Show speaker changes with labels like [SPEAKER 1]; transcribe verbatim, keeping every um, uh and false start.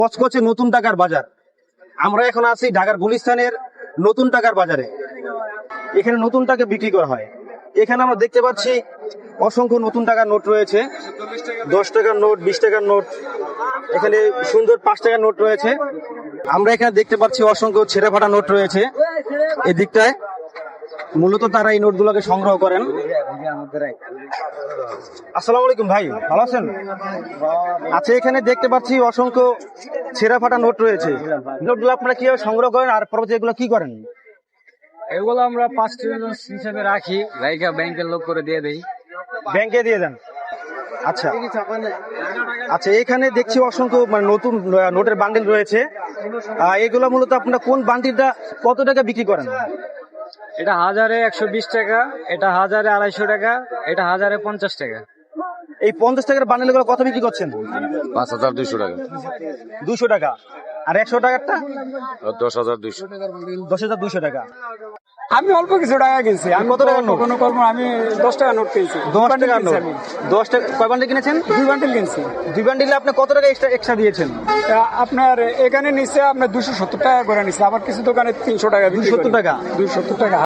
[SPEAKER 1] কচকচে নতুন টাকার বাজার। আমরা এখন আছি ঢাকার গুলিস্তানের নতুন টাকার বাজারে। এখানে নতুন টাকা বিক্রি করা হয়। এখানে আমরা দেখতে পাচ্ছি অসংখ্য নতুন টাকার নোট রয়েছে, দশ টাকার নোট, বিশ টাকার নোট, এখানে সুন্দর পাঁচ টাকার নোট রয়েছে। আমরা এখানে দেখতে পাচ্ছি অসংখ্য ছেঁড়া ফাটা নোট রয়েছে এই দিকটায়। মূলত তারা এই নোটগুলোকে সংগ্রহ করেন। আসসালামু আলাইকুম ভাই, ভালো আছেন? আচ্ছা, এখানে দেখতে পাচ্ছি অসংখ্য ছেঁড়া ফাটা নোট রয়েছে। নোটগুলো আপনারা কিভাবে সংগ্রহ করেন আর পরবর্তী এগুলো কি করেন?
[SPEAKER 2] এগুলো আমরা পাঁচ হিসেবে রাখি, রাইখা ব্যাংকের লোক করে দিয়ে দেই।
[SPEAKER 1] ব্যাংকে দিয়ে দেন? আচ্ছা আচ্ছা, এখানে দেখছি অসংখ্য মানে নতুন নোটের বান্ডিল রয়েছে। আহ, এগুলো মূলত আপনারা কোন বান্ডিলটা কত টাকা বিক্রি করেন?
[SPEAKER 2] এটা হাজারে একশো বিশ টাকা, এটা হাজারে আড়াইশো টাকা, এটা হাজারে পঞ্চাশ টাকা।
[SPEAKER 1] এই পঞ্চাশ টাকার বান্ডিলগুলো কত বিক্রি করছেন?
[SPEAKER 3] পাঁচ হাজার দুইশো টাকা।
[SPEAKER 1] দুশো টাকা। আর একশো টাকারটা?
[SPEAKER 3] দশ হাজার দুইশো।
[SPEAKER 1] দশ হাজার দুইশো টাকা।
[SPEAKER 2] আমি অল্প কিছু টাকা কিনছি। আমি
[SPEAKER 1] কত টাকার নোট?
[SPEAKER 2] কোনো কর্ম আমি দশ টাকা নোট কিনছি।
[SPEAKER 1] দশ টাকার নোট। দশ টাকা কয় বান্ডিল কিনেছেন?
[SPEAKER 2] দুই বান্ডিল কিনছি।
[SPEAKER 1] দুই বান্ডিলে আপনি কত টাকা এক্সট্রা এক্সট্রা দিয়েছেন?
[SPEAKER 2] তা আপনার এখানে নিচে আপনার দুশো সত্তর টাকা করে নিচ্ছে, আবার কিছু দোকানে তিনশো টাকা।
[SPEAKER 1] দুশো সত্তর টাকা।
[SPEAKER 2] দুশো সত্তর টাকা।